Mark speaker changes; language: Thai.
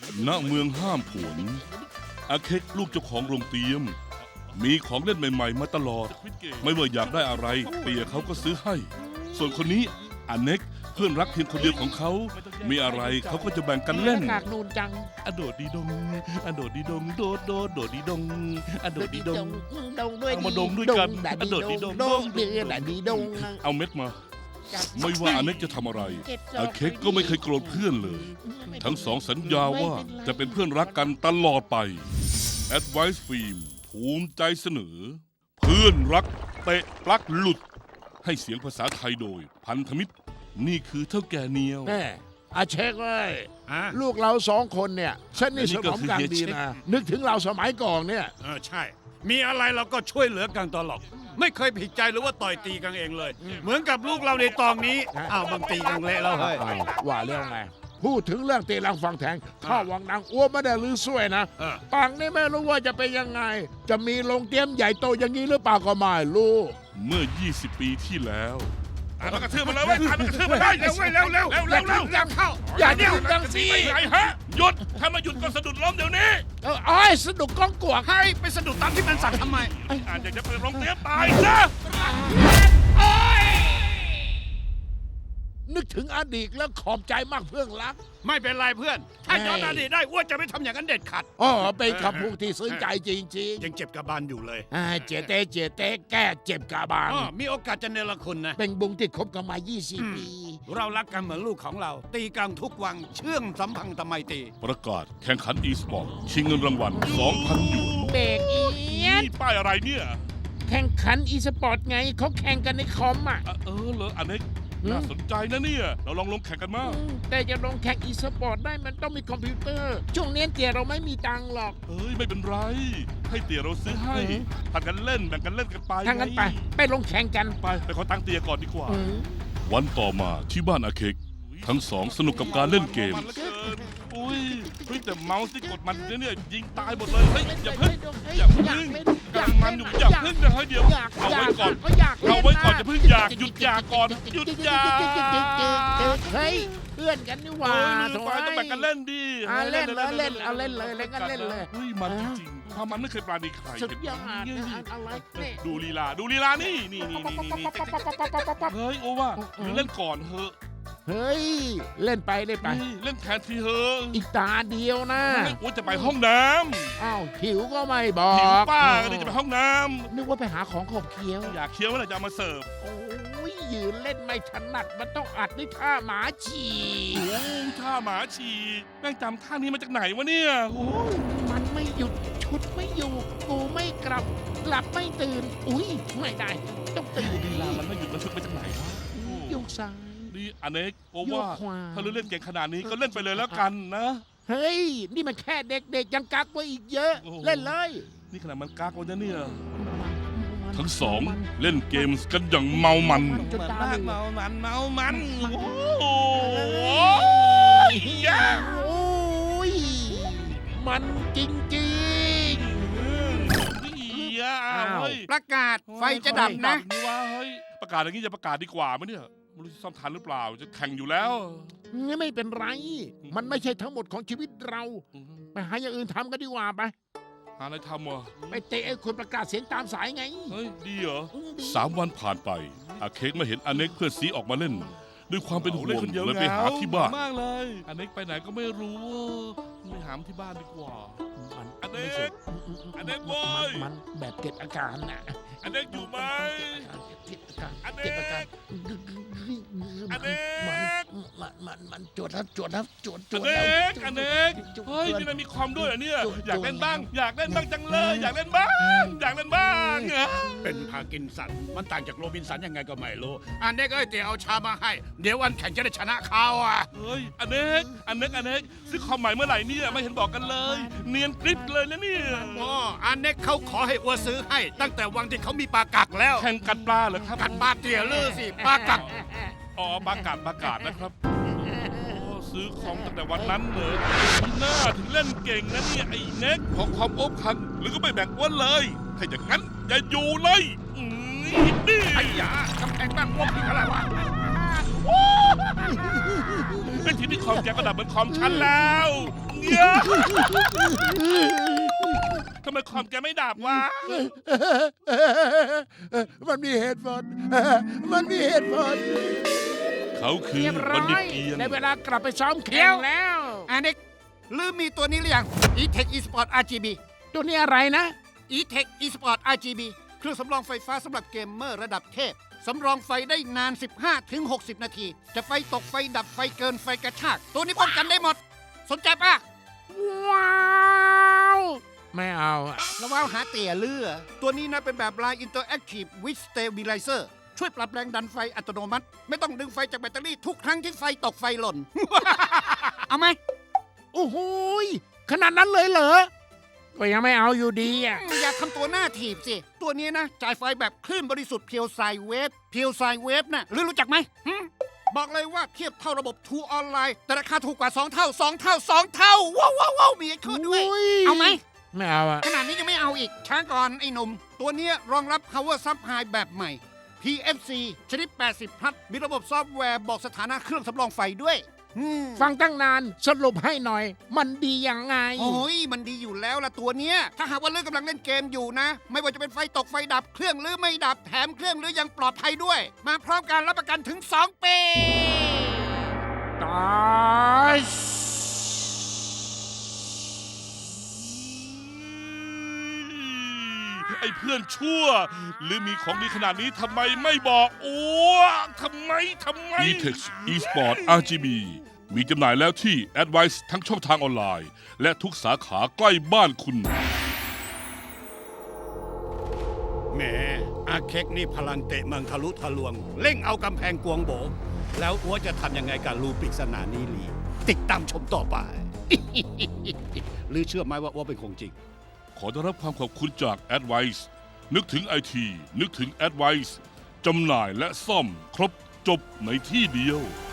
Speaker 1: ณเมืองห้ามผวนอาเค็กลูกเจ้าของโรงเตรียม มีของเล่นใหม่ๆมาตลอด ไม่ว่าอยากได้อะไรเปียเขาก็ซื้อให้ ส่วนคนนี้อเน็กเพื่อนรักเพียงคนเดียวของเขา มีอะไรเขาก็จะแบ่งกันเล่น
Speaker 2: หน้ากากนูนจัง
Speaker 1: อโดดดีดงอโดดดีดงโดดโดดโดดดีดงอโดดดีดง
Speaker 2: ดงด้วย
Speaker 1: เอามาดงด้วยกัน
Speaker 2: ด
Speaker 1: โดดดีดง
Speaker 2: ดงเดือดดีดง
Speaker 1: เอาเม็ดมา ไม่ว่าอเน็กจะทำอะไรอาเค็กก็ไม่เคยโกรธเพื่อนเลย ทั้งสองสัญญาว่าจะเป็นเพื่อนรักกันตลอดไป Advice Film ภูมิใจเสนอ เพื่อนรักเตะปลั๊กหลุด ให้เสียงภาษาไทยโดย พันธมิตร นี่คือเท่าแก่เนียว
Speaker 2: แม่อาเช็คเลย
Speaker 3: อ่ะ
Speaker 2: ลูกเราสองคนเนี่ยสนิทสนมกันดีนะ นึกถึงเราสมัยก่อนเนี่ย
Speaker 3: ใช่ มีอะไรเราก็ช่วยเหลือกันตลอด ไม่เคยผิดใจหรือว่าต่อยตีกันเองเลย เหมือนกับลูกเราในตอนนี้ อ้าวบางตีกันเละแล้วเฮ้ย
Speaker 2: ว่าเรื่องไง พูดถึงเรื่องตีลังฟังแทงข้าวังนางอ้วนไม่ได้ลือสวยนะ
Speaker 3: เออ
Speaker 2: ปังนี่ไม่รู้ว่าจะเป็นยังไง จะมีโรงเตรียมใหญ่โตอย่างนี้หรือเปล่าก็ไม่รู้
Speaker 1: เมื่อ 20 ปีที่แล้วตามมากระทืบมันเลยเว้ยตามมากระทืบมันได้
Speaker 3: เร็วเร็วเร็ว
Speaker 1: เร็ว
Speaker 3: ยังเข้า
Speaker 2: อย่าเดี่ยวดังสิ
Speaker 1: ไปไหนฮะ หยุด ถ้าไมาหยุดก็สะดุดล้มเดี๋ยวนี้
Speaker 2: เอ้ยสนุกก้องกวก
Speaker 3: ให้ไปสะดุดตามที่มันสั่งทำไม
Speaker 1: อาจจะไปโรงเตรียมตายซะ
Speaker 2: นึกถึงอดีตแล้วขอบใจมากเพื่อนรัก
Speaker 3: ไม่เป็นไรเพื่อน ถ้าย้อนอดีตได้อ้วนจะไม่ทำอย่างนั้นเด็ดขาด
Speaker 2: อ๋อเป็นคำพูดที่ซึ้งใจจริง
Speaker 3: ยังเจ็บกระบาลอยู่เลย
Speaker 2: ๆเจเตแก้เจ็บกาบาล
Speaker 3: มีโอกาสจะเนรคุณนะ
Speaker 2: เป็นบุงที่คบกันมา 20 ปี
Speaker 3: เรารักกันเหมือนลูกของเรา ตีกันทุกวันเชื่องสัมพันธ์ทำไมตรี
Speaker 1: ประกาศแข่งขัน e-sport ชิงเงินรางวัล 2,000 หยวน
Speaker 2: เบรกอีด
Speaker 1: นี่ป้ายอะไรเนี่ย
Speaker 2: แข่งขันอีสปอร์ตไงเขาแข่งกันในคอมอ่ะ
Speaker 1: เหรออันนี้น่าสนใจนะเนี่ย เราลองแข่งกันมา
Speaker 2: แต่จะลงแข่งอีสปอร์ตได้มันต้องมีคอมพิวเตอร์ ช่วงนี้เตี๋ยเราไม่มีตังค์หรอก
Speaker 1: เอ้ยไม่เป็นไร ให้เตี๋ยเราซื้อให้ผัดกันเล่นแบ่งกันเล่นกันไป
Speaker 2: ถ้างั้นไป ไปลงแข่งกัน
Speaker 1: ไปขอตังค์เตี๋ยก่อนดีกว่า
Speaker 2: อืม
Speaker 1: วันต่อมาที่บ้านอาเค็กทั้งสองสนุกกับการเล่นเกม อุ้ยแต่เมาส์ที่กดมันเนี่ยยิงตายหมดเลย เฮ้ยอย่าเพิ่งอย่าเพิ่งกำลังมันอยู่อย่าเพิ่งนะเฮ้ยเดี๋ยวเอาไว้ก่อนเอาไว้ก่อนอย่าเพิ่งอยากหยุดอยากก่อนหยุดอยาก
Speaker 2: เฮ้ยเพื่อนกันนี่หว่า
Speaker 1: ลืมไปต้องแบ่งกันเล่นดิ
Speaker 2: เล่นเลยเล่นเอาเล่นเลยเล่นกันเล่นเลย
Speaker 1: เฮ้ยมันจริงๆความมันไม่เคยปราณีใคร
Speaker 2: สุดยอดอะไรเนี่ย
Speaker 1: ดูลีลานี่เฮ้ยโอว่าหรือเล่นก่อนเถอะ
Speaker 2: เฮ้ยเล่นไป
Speaker 1: เล่นแทนทีเถอะ
Speaker 2: อีกตาเดียวนะ
Speaker 1: โอ้จะไปห้องน้
Speaker 2: อ้าวหิวก็ไม่บอ
Speaker 1: ำ
Speaker 2: ก
Speaker 1: หิวป้าก็จะไปห้องน้
Speaker 2: นึกว่าไปหาของขบเคี้ยว
Speaker 1: ำอยากเคี้ยวเมื่อไหร่จะเอามาเสิร์ฟ
Speaker 2: โอ้ยยืนเล่นไม่ถนัดมันต้องอัดด้วยท่าหมาฉี่
Speaker 1: โอ้ท่าหมาฉี่แม่งจำท่านี้มาจากไหนวะเนี่ยโอ้
Speaker 2: มันไม่หยุดชุดไม่อยู่กูไม่กลับไม่ตื่น อุ้ยไม่ได้ต้องตื่น
Speaker 1: ลีลามันไม่หยุดมันชุดมาจากไหนวะ
Speaker 2: โยกซ้าย
Speaker 1: นี่อเนกโอว่า
Speaker 2: โยกขวา
Speaker 1: ถ้าเล่นเก่งขนาดนี้ก็เล่นไปเลยแล้วกันนะ
Speaker 2: เฮ้ย นี่มันแค่เด็กๆยังกักไว้อีกเยอะ
Speaker 1: โอ้โห
Speaker 2: เล่นเลย
Speaker 1: นี่ขนาดมันกากวันนะเนี่ยทั้งสองเล่นเกมกันอย่างเมามัน
Speaker 2: จนตาเหลือก
Speaker 1: เมามันโอ้
Speaker 2: โอ้ยมันจริง
Speaker 1: เฮ้ย
Speaker 3: ประกาศไฟจะดับนะ
Speaker 1: นี่ว่าเฮ้ยประกาศอย่างนี้จะประกาศดีกว่าไหมเนี่ยไม่รู้จะซ่อมทันหรือเปล่าจะแข่งอยู่แล้ว
Speaker 2: ๆนี่ไม่เป็นไร มันไม่ใช่ทั้งหมดของชีวิตเรา ไปหาอย่างอื่นทำกันดีกว่าไป
Speaker 1: หาอะไรทำวะ
Speaker 2: ไปเตะไอ้คนประกาศเสียงตามสายไง
Speaker 1: เฮ้ยดีเหรอ3 วันผ่านไปอาเค้กมาเห็นอเน็กเพื่อนซีออกมาเล่น ด้วยความเป็นห่วงเลยไปหาที่บ้านมากเลยอเน็กไปไหนก็ไม่รู้ไปหามที่บ้านดีกว่า อันเน็กอันเน็กเว้ย
Speaker 2: มันแบบเก็บอาการน่ะ
Speaker 1: อเน็กอยู่ไหม
Speaker 2: เก็บอาการ
Speaker 1: อันเน็ก
Speaker 2: เก็บอาการ
Speaker 1: อันเน็ก
Speaker 2: มันจวดแล้วจวดแล้วจวด
Speaker 1: อ
Speaker 2: แล้ว
Speaker 1: เน็กอเน็กเฮ้ยนี่นายมีความด้วยเหรอเนี่ยอยากเล่นบ้างจังเลยอยากเล่นบ้างเหรอ
Speaker 3: เป็นพาร์กินสัน มันต่างจากโรบินสันยังไงก็ไม่รู้ อันนี้ก็เตี๋ยเอาชามาให้ เดี๋ยววันแข่งจะได้ชนะเขาอ่ะ
Speaker 1: เฮ้ยอเน็กซื้อความหมายเมื่อไหร่เนี่ยไม่เห็นบอกกันเลย เนียนกริบเลยนะเนี่ย
Speaker 3: อ๋ออันนี้เขาขอให้อัวซื้อให้ ตั้งแต่วันที่เขามีปลากักแล้ว
Speaker 1: แข่งกัดปลาเหรอครับ
Speaker 3: กัดปลาเตี๋ยลือสิปลากัก
Speaker 1: อ๋อปลากาศนะครับซื้อของตั้งแต่วันนั้นเลยหน้าถึงเล่นเก่งนะเนี่ยไอ้เน็กของความอบคันหรือก็ไม่แบ่งอ้วนเลยถ้าอย่างนั้นอย่าอยู่เลยนี่
Speaker 3: ไอ้ยากำแพงบ้านพวกพี่อะไรวะ
Speaker 1: เป็นทีมที่คอมแกก็ดับเหมือนคอมฉันแล้วเย้ทำไมคอมแกไม่ดับวะ
Speaker 4: มันมีเหตุผล มันมีเหตุผล
Speaker 1: เขาคือ
Speaker 2: เรียบ
Speaker 1: บั
Speaker 2: ร้
Speaker 1: ณ
Speaker 2: อ
Speaker 1: ฑิต
Speaker 2: ย
Speaker 1: เกียร
Speaker 2: ใน
Speaker 1: ติ
Speaker 2: เวลากลับไปซ้อมแข่งแล้ว
Speaker 5: อันนี้ลืมมีตัวนี้หรือยัง e-tech e-sport RGB
Speaker 2: ตัวนี้อะไรนะ
Speaker 5: e-tech e-sport RGB เครื่องสำรองไฟฟ้าสำหรับเกมเมอร์ระดับเทพ สำรองไฟได้นาน 15-60 นาที จะไฟตกไฟดับไฟเกินไฟกระชาก ตัวนี้ป้องกันได้หมด สนใจปะ
Speaker 2: ว้าว ไม่เอาอะ
Speaker 5: แล้วว้าวหาเตี่ยเลือ ตัวนี้นะเป็นแบบ Line Interactive with Stabilizer ช่วยปรับแรงดันไฟอัตโนมัติ ไม่ต้องดึงไฟจากแบตเตอรี่ทุกครั้งที่ไฟตกไฟหล่น เอาไหม
Speaker 2: โอ้โหยขนาดนั้นเลยเหรอ ก็ยังไม่เอาอยู่ดีอ่ะ
Speaker 5: อย่าทำตัวหน้าถีบสิ ตัวนี้นะ จ่ายไฟแบบคลื่นบริสุทธิ์เพียวไซเวฟเพียวไซเวฟน่ะรู้จักไหมหึบอกเลยว่าเทียบเท่าระบบทูออนไลน์แต่ราคาถูกกว่า 2 เท่า 2 เท่า 2 เท่า ว้าวว้าวว้าวมีไอ้ขึ้นด้วย
Speaker 2: อุ้ย
Speaker 5: เอาไหม
Speaker 2: ไม่เอาอ่ะ
Speaker 5: ขนาดนี้ยังไม่เอาอีก ช้าก่อนไอ้หนุ่ม ตัวเนี้ยรองรับ power supply แบบใหม่ PFC ชนิด 80 พัทมีระบบซอฟต์แวร์บอกสถานะเครื่องสำรองไฟด้วย
Speaker 2: ฟังตั้งนานสรุปให้หน่อย มันดียังไง
Speaker 5: โอ้ยมันดีอยู่แล้วล่ะตัวเนี้ย ถ้าหากว่าเลือกกำลังเล่นเกมอยู่นะ ไม่ว่าจะเป็นไฟตกไฟดับเครื่องหรือไม่ดับแถมเครื่องหรือยังปลอดภัยด้วย มาพร้อมการรับประกันถึง 2 ปี
Speaker 2: ตาย
Speaker 1: ไอ้เพื่อนชั่ว หรือมีของดีขนาดนี้ทำไมไม่บอกโอ้ทำไมe-tech e-sport RGB มีจำหน่ายแล้วที่ Advice ทั้งช่องทางออนไลน์ และทุกสาขาใกล้บ้านคุณ
Speaker 3: แหมอาเค็กนี่พลังเตะเมืองทะลุทะลวง เร่งเอากำแพงกวงโบ แล้วอัวจะทำยังไงกับรูปริศนานี้ลีติดตามชมต่อไป หรือเชื่อไหมว่าอัวเป็นคงจริง
Speaker 1: ขอได้รับความขอบคุณจาก Advice นึกถึง IT นึกถึง Advice จำหน่ายและซ่อมครบจบในที่เดียว